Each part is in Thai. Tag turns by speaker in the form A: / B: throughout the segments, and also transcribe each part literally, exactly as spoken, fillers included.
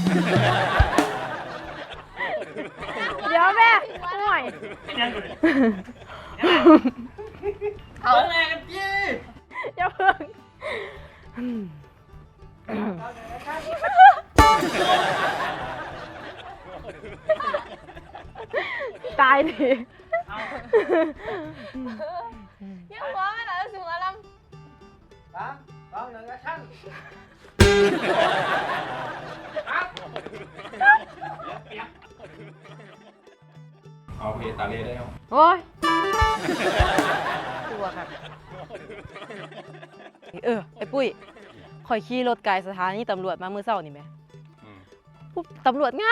A: เดี๋ยวแม่ห่วย
B: เอาแรงกันจี้
A: อย่าเพิ่งตายดิ
C: ยังหัวไม่หล่ะสูงอารมณ์
B: สามสองหนึ่งแอคชั่น
D: เอาเพตาเล่ได้ไหม
A: โอ้ยตัวค่ะเออไอ้ปุ้ยข่อยขี่รถไกลสถานีตำรวจมาเมื่อเช้านี่ไหมปุ๊บตำรวจงาม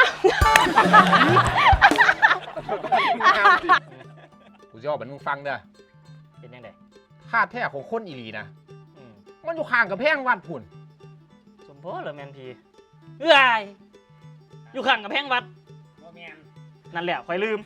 D: กูจะบอกมันมึงฟังเด้อ
B: เป็นยังไง
D: ค่าแท้ของคนอีหลีนะมันอยู่ข้างกับแพงวัดพุ่น
B: สมโพธิเหรอแมนพีเอ้ยอยู่ข้างกับแพงวัดนั่นแหละคอยลืม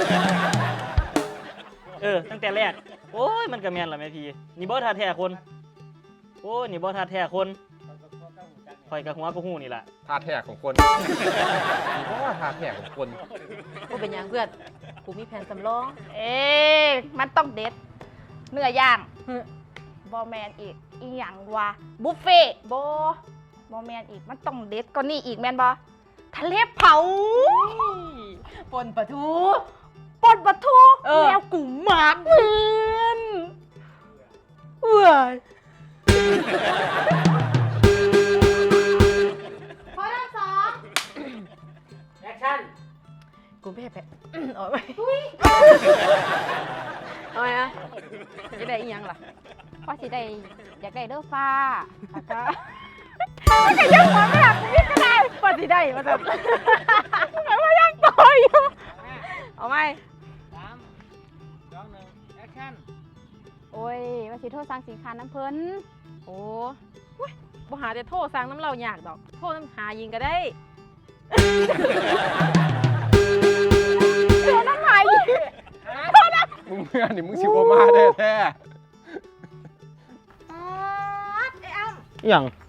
B: เออตั้งแต่แรกโอ้ยมันกับแมนเหรอแมนพีนี่บอสทาแท้คนโอ้ยนี่บอสทาแท้คนคอยกับหัวกับหูนี่แหละ
D: ท่าแท้ของคนเพราะว่าท่าแท้ของคน
A: กูเป็นยังเพื่อนกูมีแผนสำรอง
C: เอ๊ะมันต้องเด็ดเนื้อย่างบอแมนอีกอีหยังวะบุฟเฟ่บอบอแมนอีกมันต้องเด็ดก็นี่อีกแมนบอทะเลเผา
A: ปนปะทู
C: ปนปะทู
A: เออ
C: แมวกูหมากเพื่อนเว้ยพอทั้งสอง
B: แอคชั่น
A: กูไม่แพ้ เอาไว้เอาไว้อะจะได้อีหยังล่ะ
C: พอสิได้อยากได้เด้อฟ้าแล้วก็ไม่ใช่ยังหัวไม่หลับกูนี่ก็ได้
A: ปฏิได้มาจับหมายว่ายังต่ออยู่เอาไหม
B: สามสองหนึ่งแอคชั่น
C: โอ้ยว่าสิโทษสั่งสินค้าน้ำเพิ่น
A: โอ้ยบ่หาแต่โทษสั่งน้ำเรายากดอก โทษน้ำหายิงก็ได้
C: เสียน้ำหาย
D: มึงเมื่อนี่มึงสิบมาแท้แท้
C: ไอ้อ้ำ
B: อย่าง